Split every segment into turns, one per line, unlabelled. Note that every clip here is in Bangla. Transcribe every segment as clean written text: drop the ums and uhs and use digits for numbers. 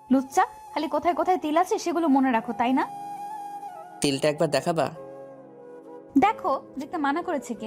লুচ্চা, খালি কোথায় কোথায় তিল আছে সেগুলো মনে রাখো, তাই না?
তিলটা একবার দেখাবা?
দেখো, দেখতে মানা করেছে কে?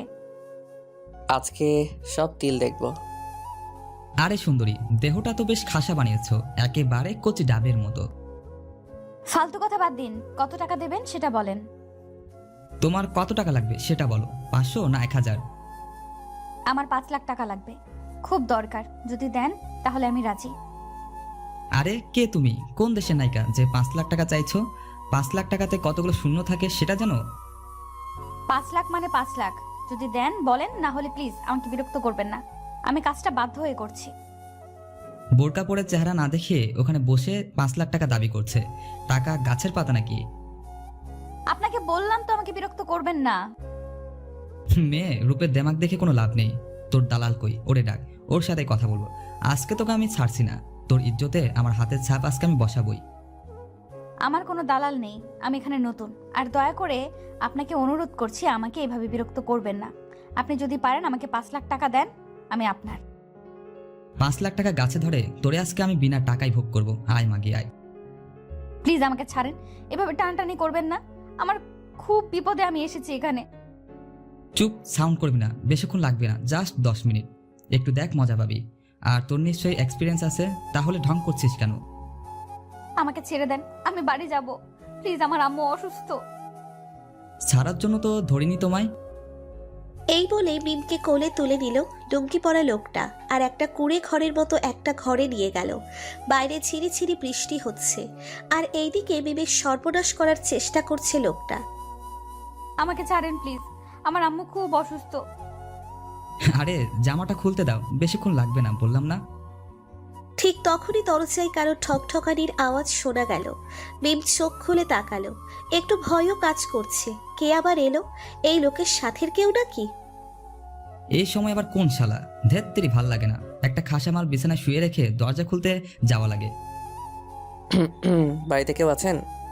আজকে সব তিল দেখবো।
আরে সুন্দরী, দেহটা তো বেশ খাসা বানিয়েছো, একেবারে কচি ডাবের মতো।
ফালতু কথা বাদ দিন, কত টাকা দেবেন সেটা বলেন।
তোমার কত টাকা লাগবে সেটা বলো, 500 না 1000?
আমার 5 লাখ টাকা লাগবে, খুব দরকার। যদি দেন তাহলে আমি রাজি।
আরে কে তুমি, কোন দেশের নায়িকা যে 5 লাখ টাকা চাইছো? 5 লাখ টাকাতে কতগুলো শূন্য থাকে সেটা জানো?
5 লাখ মানে 5 লাখ। যদি দেন বলেন, না হলে প্লিজ আমাকে বিরক্ত করবেন না। আমি কাজটা বাধ্য হয়ে করছি।
বোরকা পরে চেহারা না দেখে ওখানে বসে 5 লাখ টাকা দাবি করছে। টাকা গাছের পাতা নাকি?
আপনাকে বললাম তো আমাকে বিরক্ত করবেন না।
মেয়ে রূপের দেমাগ দেখে কোনো লাভ নেই। তোর দালাল কই, ওরে ডাক, ওর সাথে কথা বলবো। আজকে তোকে আমি ছাড়ছি না, তোর ইজ্জতে আমার হাতের ছাপ আজকে আমি বসাবই।
আমার কোনো দালাল নেই, আমি এখানে নতুন। আর দয়া করে আপনাকে অনুরোধ করছি, আমাকে এভাবে বিরক্ত করবেন না। আপনি যদি পারেন আমাকে 5 লাখ টাকা দেন, আমি আপনার।
5 লাখ টাকা গাছে ধরে তোরে আজকে আমি বিনা টাকায় ভোগ করবো। আয় মাগি আয়।
প্লিজ আমাকে ছাড়েন, এভাবে টানটানি করবেন না। আমার খুব বিপদে আমি এসেছি এখানে।
চুপ, সাউন্ড করবি না, বেশিক্ষণ লাগবে না, জাস্ট 10 মিনিট। একটু দেখ, মজা পাবি। আর তোর নিশ্চয়ই এক্সপিরিয়েন্স আছে, তাহলে ঢং করছিস কেন?
আমাকে ছেড়ে দেন, আমি বাড়ি যাব। প্লিজ, আমার আম্মু অসুস্থ।
ছাড়ার জন্য তো ধরিনি তোমায়।
এই বলে মিমকে কোলে তুলে নিল লুঙ্গি পরা লোকটা, আর একটা কুঁড়ে ঘরের মতো একটা ঘরে নিয়ে গেল। বাইরে ছিঁড়ি ছিঁড়ি বৃষ্টি হচ্ছে, আর এইদিকে মিমের সর্বনাশ করার চেষ্টা করছে লোকটা।
আমাকে ছাড়েন প্লিজ, আমার আম্মু খুব অসুস্থ।
আরে জামাটা খুলতে দাও, বেশিক্ষণ লাগবে না, বললাম না?
ঠিক তখনই দরজায় কারো ঠকঠকানির আওয়াজ শোনা গেল। মিম চোখ খুলে তাকালো, একটু ভয়ও কাজ করছে। কে আবার এলো? এই লোকের সাথের কেউ নাকি?
এই সময় আবার কোন শালা? ধেত্তেরি ভাল লাগে না, একটা খাসা মাল বিছানায় শুয়ে রেখে দরজা খুলতে যাওয়া লাগে।
বাড়িতে কেউ আছেন?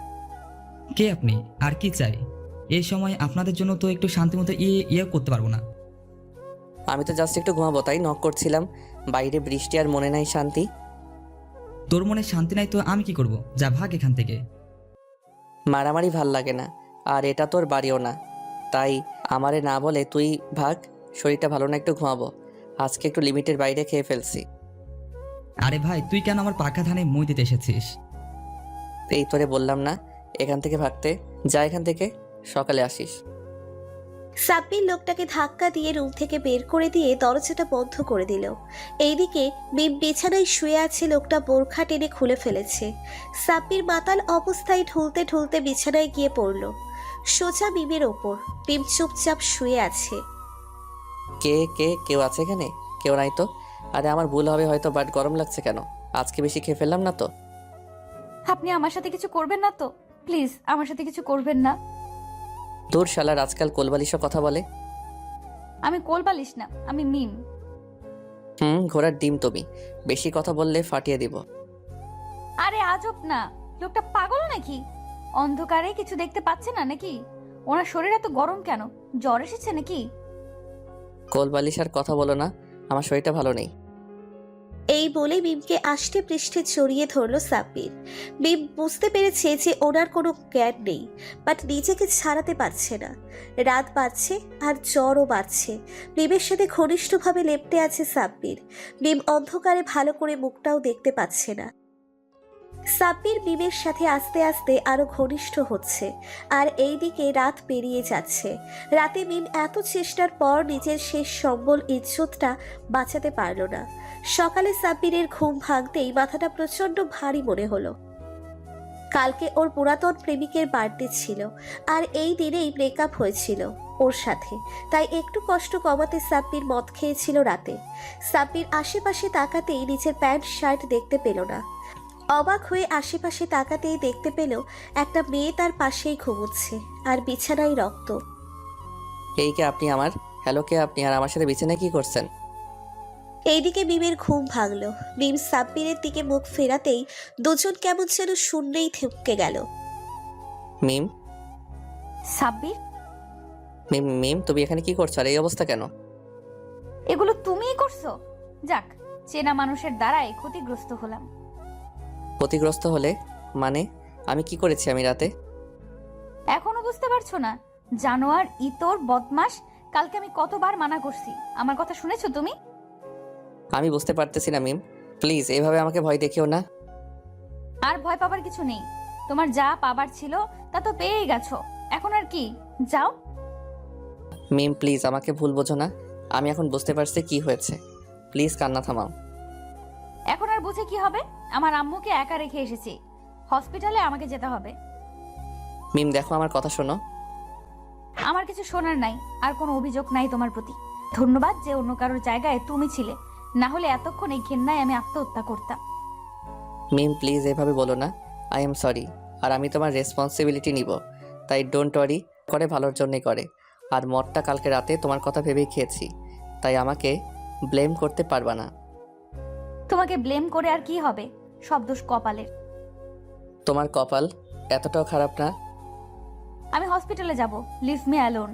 কে আপনি, আর কি চাই? এই সময় আপনাদের জন্য তো একটু শান্তিমতো ইয়ে করতে পারবো না।
আমি তো জাস্ট একটু ঘুমাবো তাই নক করছিলাম। বাইরে বৃষ্টি আর মনে নাই শান্তি।
তোর মনে শান্তি নাই তো আমি কি করব? যা ভাগ এখান থেকে।
মারামারি ভাল লাগে না, আর এটা তোর বাড়িও না, তাই আমারে না বলে তুই ভাগ। শরীরটা ভালো না, একটু ঘুমাবো। আজকে একটু লিমিটের বাইরে খেয়ে ফেলছি।
আরে ভাই, তুই কেন আমার পাকা ধানে মই দিতে এসেছিস?
এই তোরে বললাম না এখান থেকে ভাগতে? যা এখান থেকে, সকালে আসিস।
সাব্বির লোকটাকে ধাক্কা দিয়ে রুম থেকে বের করে দিয়ে দরজাটা বন্ধ করে দিল। এইদিকে মিম বিছানায় শুয়ে আছে, লোকটা বোরখা টেনে খুলে ফেলেছে। সাব্বির মাতাল অবস্থায় ঢুলতে ঢুলতে বিছানায় গিয়ে পড়ল সোজা মিমের ওপর। মিম চুপচাপ শুয়ে আছে।
কে কে কেউ আছে এখানে? কেউ নাই তো। আরে আমার ভুল হবে হয়তো, বাট গরম লাগছে কেন? আজকে বেশি খেয়ে ফেললাম না তো?
আপনি আমার সাথে কিছু করবেন না তো? প্লিজ আমার সাথে কিছু করবেন না।
তোর শালার আজকাল কোলবালিশও কথা বলে।
আমি কোলবালিশ না, আমি মিম।
ঘোড়ার ডিম তুমি। বেশি কথা বললে ফাটিয়ে দিব।
আরে আজব না, লোকটা পাগল নাকি? অন্ধকারে কিছু দেখতে পাচ্ছে না নাকি? ওনার শরীর এত গরম কেন? জ্বর এসেছে নাকি?
কোলবালিশ আর কথা বলো না, আমার শরীরটা ভালো নেই।
এই বলে মিমকে আষ্টে পৃষ্ঠে জড়িয়ে ধরল সাব্বির। মিম বুঝতে পেরেছে যে ওনার কোনো জ্ঞান নেই, বাট নিজেকে ছাড়াতে পারছে না। রাত বাড়ছে আর জ্বরও বাড়ছে। মিমের সাথে ঘনিষ্ঠভাবে লেপ্টে আছে সাব্বির। মিম অন্ধকারে ভালো করে মুখটাও দেখতে পাচ্ছে না। সাব্বির মিমের সাথে আস্তে আস্তে আরো ঘনিষ্ঠ হচ্ছে, আর এইদিকে রাত পেরিয়ে যাচ্ছে। রাতে মিম এত চেষ্টার পর নিজের শেষ সম্বল ইজ্জতটা বাঁচাতে পারল না। সকালে সাব্বিরের ঘুম ভাঙতেই মাথাটা প্রচন্ড ভারী মনে হলো। কালকে ওর পুরাতন প্রেমিকের বার্থডে ছিল, আর এই দিনেই ব্রেকআপ হয়েছিল ওর সাথে। তাই একটু কষ্ট কমাতে সাব্বির মদ খেয়েছিল রাতে। সাব্বির আশেপাশে তাকাতেই নিজের প্যান্ট শার্ট দেখতে পেল না। অবাক হয়ে আশেপাশে তাকাতেই দেখতে পেল একটা মেয়ে তার পাশেই ঘুমোচ্ছে, আর বিছানায় রক্ত।
এই কে আপনি? আমার হ্যালো, কে আপনি? আর আমার সাথে বিছানায় কি করছেন?
এইদিকে মিমের ঘুম ভাঙলো। মিম সাব্বিরের দিকে মুখ ফেরাতেই দুজন কেমন যেন শূন্যেই থমকে গেল।
মিম,
সাব্বির,
মিম, মিম, তুমি এখানে কি করছো? আর এই অবস্থা কেন?
এগুলো তুমিই করছো? যাক, চেনা মানুষের দ্বারাই ক্ষতিগ্রস্ত হলাম।
ক্ষতিগ্রস্ত হলে মানে আমি কি করেছি আমি রাতে?
এখনো বুঝতে পারছো না? জানোয়ার, ইতর, বদমাস, কালকে আমি কতবার মানা করছি। আমার কথা শুনেছো তুমি?
আমি বুঝতে পারতেছি না মিম, প্লিজ এভাবে আমাকে ভয় দেখিও না।
আর ভয় পাবার কিছু নেই। তোমার যা পাবার ছিল তা তো পেয়েই গেছো। এখন আর কি? যাও।
মিম প্লিজ আমাকে ভুল বোঝো না, আমি এখন বুঝতে পারছি কি হয়েছে, প্লিজ কান্না থামাও।
এখন আর বুঝে কি হবে? আমার আম্মুকে একা রেখে এসেছি, হসপিটালে আমাকে যেতে হবে।
মিম দেখো আমার কথা শোনো।
আমার কিছু শোনার নাই, আর কোনো অভিযোগ নাই তোমার প্রতি। ধন্যবাদ যে অন্য কারোর জায়গায় তুমি ছিলে, না হলে এতক্ষণ এই ঘেন্নায় আমি আত্মহত্যা করতাম।
মিম প্লিজ এভাবে বলো না, আই এম সরি। আর আমি তোমার রেসপন্সিবিলিটি নিব, তাই ডোন্ট ওয়ারি, করে ভালোর জন্যই করে। আর মদটা কালকে রাতে তোমার কথা ভেবেই খেয়েছি, তাই আমাকে ব্লেম করতে পারবা না।
তোমাকে ব্লেম করে আর কি হবে? সব দোষ কপালের।
তোমার কপাল এতটাও খারাপ না।
আমি হসপিটালে যাব, লিভ মি অ্যালোন।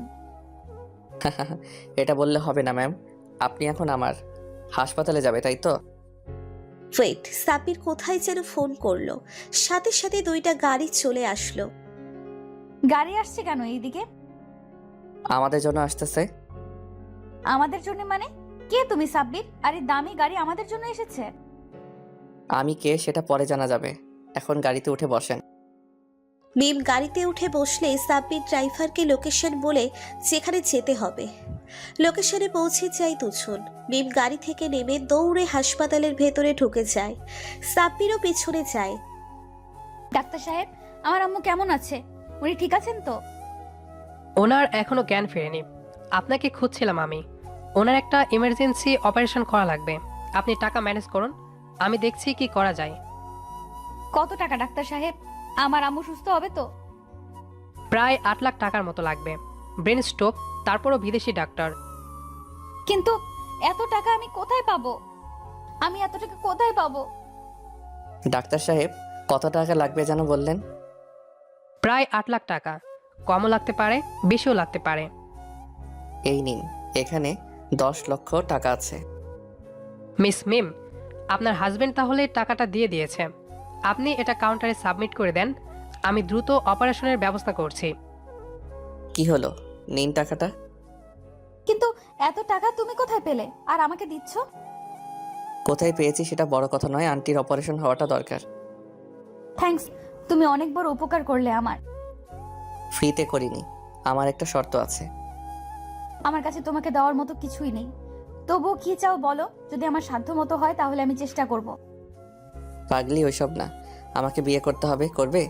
এটা বললে হবে না ম্যাম, আপনি এখন আমার হাসপাতালে যাবে তাই তো?
ওয়েট, সাব্বির কোথায় যেন ফোন করলো, সাথে সাথে 2টা গাড়ি চলে আসলো।
গাড়ি আসছে কেন এইদিকে?
আমাদের জন্য আসতেছে।
আমাদের জন্য মানে? কে তুমি সাব্বির? আর এই দামি গাড়ি আমাদের জন্য এসেছে?
আমি কে সেটা পরে জানা যাবে, এখন গাড়িতে উঠে বসেন।
মিম গাড়িতে উঠে বসলে সাব্বির ড্রাইভারকে লোকেশন বলে যেখানে যেতে হবে। লোকেশনে পৌঁছে যায় দুজন। মিম গাড়ি থেকে নেমে দৌড়ে হাসপাতালের ভেতরে ঢুকে যায়। সাব্বিরও পেছনে যায়।
ডাক্তার সাহেব, আমার আম্মু কেমন আছে? উনি ঠিক আছেন তো?
ওনার এখনো জ্ঞান ফেরেনি, আপনাকে খুঁজছিলাম আমি। ওনার একটা ইমার্জেন্সি অপারেশন করা লাগবে, আপনি টাকা ম্যানেজ করুন, আমি দেখছি কি করা যায়।
কত টাকা ডাক্তার সাহেব? আমার আম্মু সুস্থ হবে তো?
প্রায় 8 লাখ টাকার মতো লাগবে। ব্রেন স্ট্রোক, তারপরও বিদেশি ডাক্তার।
কিন্তু এত টাকা আমি কোথায় পাবো? আমি এত টাকা কোথায় পাবো?
ডাক্তার সাহেব কত টাকা লাগবে যেন বললেন?
প্রায় 8 লাখ টাকা, কমও লাগতে পারে, বেশিও লাগতে পারে।
এই নিন, এখানে 10 লক্ষ টাকা আছে।
মিস মিম, আপনার হাজবেন্ড তাহলে টাকাটা দিয়ে দিয়েছে, আপনি এটা কাউন্টারে সাবমিট করে দেন, আমি দ্রুত অপারেশনের ব্যবস্থা করছি।
কি হলো, নিন টাকাটা।
কিন্তু এত টাকা তুমি কোথায় পেলে আর আমাকে দিচ্ছ?
কোথায় পেয়েছি সেটা বড় কথা নয়, আন্টির অপারেশন হওয়াটা দরকার।
থ্যাঙ্কস, তুমি অনেক বড় উপকার করলে আমার।
ফ্রিতে করিনি, আমার একটা শর্ত আছে।
আমার কাছে তোমাকে দেওয়ার মতো কিছুই নেই, তবুও কি চাও বলো। যদি আমার সাধ্য মতো হয় তাহলে আমি চেষ্টা করব।
পাগলি ওইসব না, আমাকে বিয়ে করতে হবে, করবে?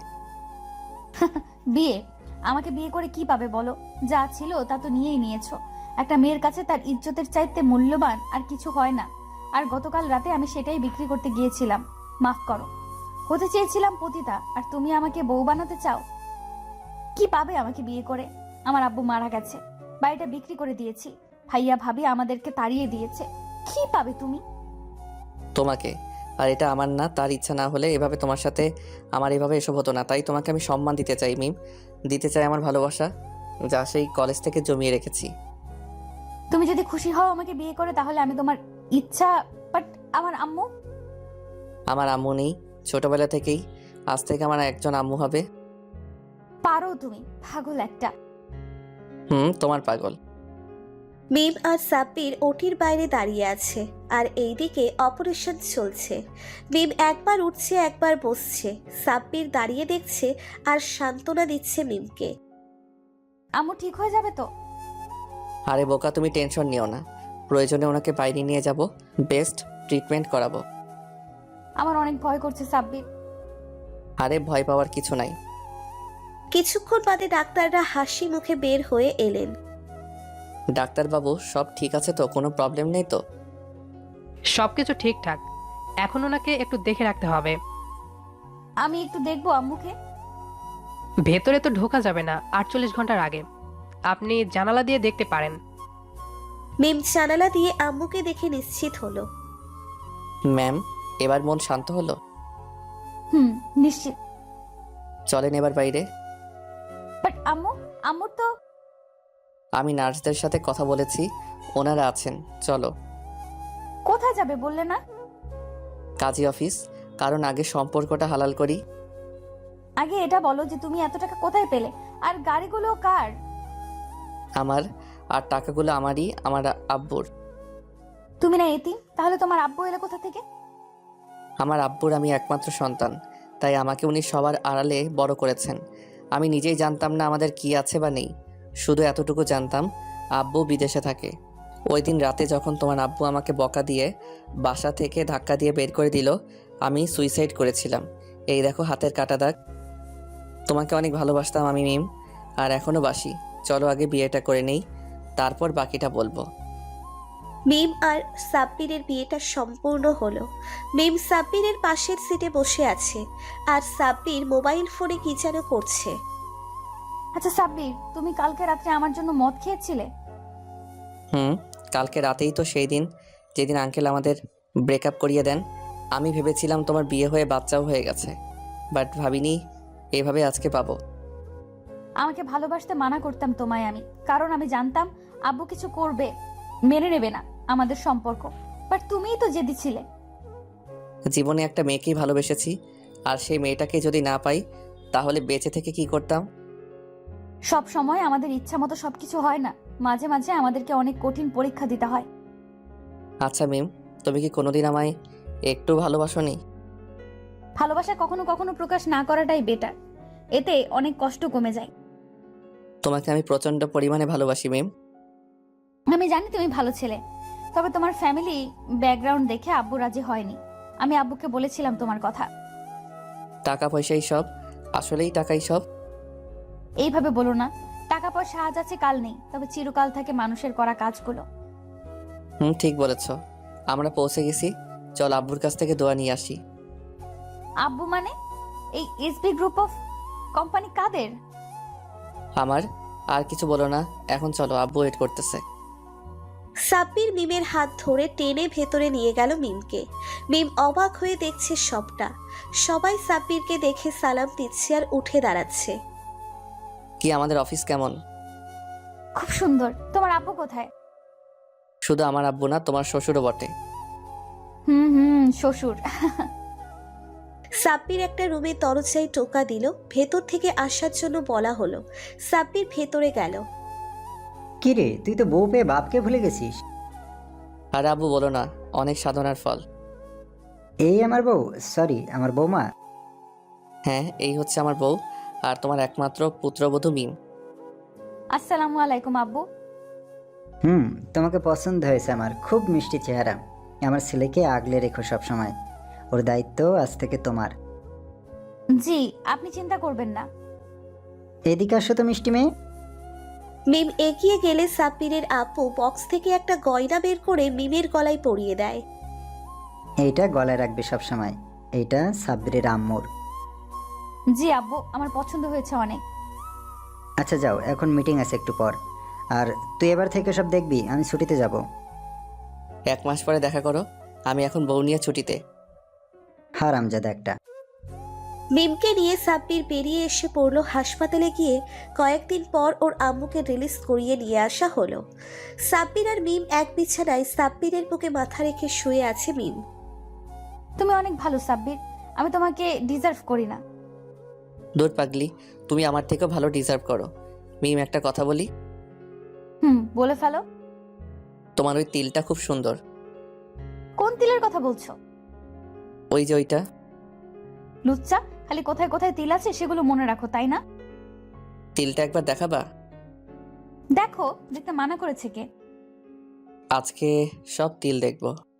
বিয়ে? আমাকে বিয়ে করে কি পাবে বলো? যা ছিল তা তো নিয়েই নিয়েছো। একটা মেয়ের কাছে তার ইজ্জতের চাইতে মূল্যবান আর কিছু হয় না। আর গতকাল রাতে আমি সেটাই বিক্রি করতে গিয়েছিলাম। মাফ করো। হতে চেয়েছিলাম পতিতা, আর তুমি আমাকে বউ বানাতে চাও? কি পাবে আমাকে বিয়ে করে? আমার আব্বু মারা গেছে, বাড়িটা বিক্রি করে দিয়েছি, ভাইয়া ভাবি আমাদেরকে তাড়িয়ে দিয়েছে। কি পাবে তুমি?
তোমাকে। আর এটা আমার না, তার ইচ্ছা না হলে এভাবে তোমার সাথে আমার এভাবে এসব হতো না। তাই তোমাকে আমি সম্মান দিতে চাই মিম, দিতে চাই আমার ভালোবাসা, যা সেই কলেজ থেকে জমিয়ে রেখেছি।
তুমি যদি খুশি হও আমাকে বিয়ে করে, তাহলে আমি তোমার ইচ্ছা। বাট আমার আম্মু?
আমার আম্মু নেই ছোটবেলা থেকেই, আজ থেকে আমার একজন আম্মু হবে।
পারো তুমি, পাগল একটা।
তোমার পাগল।
মিম আর সাব্বির ওটির বাইরে দাঁড়িয়ে আছে, আর এইদিকে অপারেশন চলছে। মিম একবার উঠছে একবার বসছে, সাব্বির দাঁড়িয়ে দেখছে আর সান্ত্বনা দিচ্ছে মিমকে।
আম্মু ঠিক হয়ে যাবে তো?
আরে বোকা, তুমি টেনশন নিও না, প্রয়োজনে ওনাকে বাইরে নিয়ে যাব, বেস্ট ট্রিটমেন্ট করাবো।
আমার অনেক ভয় করছে সাব্বির।
আরে ভয় পাওয়ার কিছু নাই।
কিছুক্ষণ বাদে ডাক্তাররা হাসি মুখে বের হয়ে এলেন।
ডাক্তারবাবু সব ঠিক আছে তো, কোনো প্রবলেম নেই তো?
সবকিছু ঠিকঠাক, এখন ওনাকে একটু দেখে রাখতে হবে।
আমি একটু দেখবো আম্মুকে।
ভেতরে তো ঢোকা যাবে না 48 ঘন্টার আগে, আপনি জানালা দিয়ে দেখতে পারেন।
মিম জানালা দিয়ে আম্মুকে দেখে নিশ্চিত হলো।
ম্যাম এবার মন শান্ত হলো?
নিশ্চিত।
চলেন এবার বাইরে।
বাট আম্মুর তো।
আমি নার্সদের সাথে কথা বলেছি, ওনারা আছেন, চলো।
কোথায় যাবে বললে না?
কাজী অফিস, কারণ আগে সম্পর্কটা হালাল করি।
আগে এটা বলো যে তুমি এত টাকা কোথায় পেলে, আর গাড়িগুলো কার?
আমার, আর টাকাগুলো আমারই, আমার আব্বুর।
তুমি না এতিম, তাহলে তোমার আব্বু এলে কোথা থেকে?
আমার আব্বুর আমি একমাত্র সন্তান, তাই আমাকে উনি সবার আড়ালে বড় করেছেন। আমি নিজেই জানতাম না আমাদের কি আছে বা নেই, শুধু এতটুকু জানতাম আব্বু বিদেশে থাকে। ওই দিন রাতে যখন তোমার আব্বু আমাকে বকা দিয়ে বাসা থেকে ধাক্কা দিয়ে বের করে দিল, আমি সুইসাইড করেছিলাম। এই দেখো হাতের কাটা দাগ। তোমাকে অনেক ভালোবাসতাম আমি মিম, আর এখনও বাসি। চলো আগে বিয়েটা করে নেই, তারপর বাকিটা বলবো।
মিম আর সাব্বিরের বিয়েটা সম্পূর্ণ হলো। মিম সাব্বিরের পাশের সিটে বসে আছে আর সাব্বির মোবাইল ফোনে কি যেন করছে।
আচ্ছা সাব্বির, তুমি কালকে রাত্রে আমার জন্য মদ খেয়েছিলে?
কালকে রাতেই তো সেই দিন যেদিন আঙ্কেল আমাদের ব্রেকআপ করিয়ে দেন। আমি ভেবেছিলাম তোমার বিয়ে হয়ে বাচ্চাও হয়ে গেছে, বাট ভাবিনি এভাবে আজকে পাবো।
আমাকে ভালোবাসতে মানা করতাম তোমায় আমি, কারণ আমি জানতাম আব্বু কিছু করবে, মেনে নেবে না আমাদের সম্পর্ক। বাট তুমিই তো জেদি ছিলে।
জীবনে একটা মেয়েকেই ভালোবেসেছি, আর সেই মেয়েটাকে যদি না পাই তাহলে বেঁচে থেকে কি করতাম?
সব সময় আমাদের ইচ্ছা মতো সবকিছু হয় না, মাঝে মাঝে আমাদেরকে অনেক কঠিন পরীক্ষা দিতে হয়।
আচ্ছা মিম, তুমি কি কোনোদিন আমায় একটু ভালোবাসোনি?
ভালোবাসা কখনো কখনো প্রকাশ না করাটাই বেটার, এতে অনেক কষ্ট কমে যায়।
তোমাকে আমি প্রচণ্ড পরিমাণে ভালোবাসি মিম।
আমি জানি তুমি ভালো ছেলে, তবে তোমার ফ্যামিলি ব্যাকগ্রাউন্ড দেখে আব্বু রাজি হয়নি। আমি আব্বুকে বলেছিলাম তোমার কথা।
টাকা পয়সাই সব? আসলেই টাকাই সব?
এইভাবে বলো না, টাকা পয়সা আজ আছে কাল নেই, তবে চিরকাল থাকে মানুষের করা কাজগুলো।
ঠিক বলেছ। আমরা পৌঁছে গেছি, চল আব্বুর কাছ থেকে দোয়া নিয়ে আসি।
আব্বু মানে? এই এসবি গ্রুপ অফ কোম্পানি কাদের?
আমার, আর কিছু বলো না, এখন চলো, আব্বু ওয়েট করতেছে।
সাব্বির মিমের হাত ধরে টেনে ভেতরে নিয়ে গেল মিমকে। মিম অবাক হয়ে দেখছে সবটা। সবাই সাব্বিরকে দেখে সালাম দিচ্ছে আর উঠে দাঁড়াচ্ছে।
কি আমাদের অফিস কেমন?
খুব সুন্দর। তোমার আব্বু কোথায়?
শুধু আমার আব্বু না, তোমার শ্বশুরও বটে।
শ্বশুর।
সাব্বির একটা রুমে দরজায় টোকা দিল, ভেতর থেকে আসার জন্য বলা হলো। সাব্বির ভেতরে গেল।
কিরে, তুই তো বউ পেয়ে বাপকে ভুলে গেছিস।
আর আব্বু বলো না, অনেক সাধনার ফল।
এই আমার বউ, সরি আমার বৌমা।
হ্যাঁ, এই হচ্ছে আমার বউ, আর তোমার একমাত্র পুত্রবধূ মিম।
আসসালামু আলাইকুম আব্বু।
তোমাকে পছন্দ হয়েছে আমার, খুব মিষ্টি চেহারা। আমার ছেলেকে আগলে রেখো সব সময়, ওর দায়িত্ব আজ থেকে তোমার।
জি, আপনি চিন্তা করবেন না।
এদিকে আসো তো মিষ্টি মেয়ে।
মিম এগিয়ে গেলে সাব্বিরের আপু বক্স থেকে একটা গয়না বের করে মিমের গলায় পরিয়ে দেয়।
এইটা গলায় রাখবে সব সময়, এইটা সাব্বিরের আম্মুর।
জি আব্বু, আমার পছন্দ হয়েছে অনেক।
আচ্ছা যাও, এখন মিটিং আছে একটু পর। আর তুই এবার থেকে সব দেখবি, আমি ছুটিতে যাব।
1 মাস পরে দেখা করো, আমি এখন বউ নিয়ে ছুটিতে।
হারামজাদা একটা।
মিমকে নিয়ে সাব্বির বেরিয়ে এসে পড়ল হাসপাতালে। গিয়ে কয়েকদিন পর ওর আম্মুকে রিলিজ করিয়ে নিয়ে আসা হলো। সাব্বির আর মিম এক বিছানায়, সাব্বিরের বুকে মাথা রেখে শুয়ে আছে মিম।
তুমি অনেক ভালো সাব্বির, আমি তোমাকে ডিজার্ভ করি না।
দূর পাগলি, তুমি আমার থেকেও ভালো ডিজার্ভ করো। মিম, একটা কথা বলি?
বলে ফেলো।
তোমার ওই তিলটা খুব সুন্দর।
কোন তিলের কথা বলছো?
ওই যে ওইটা।
লুচ্চা, খালি কোথায় কোথায় তিল আছে সেগুলো মনে রাখো, তাই না?
তিলটা একবার দেখাবা?
দেখো, দেখতে মানা করেছে কে?
আজকে সব তিল দেখবো।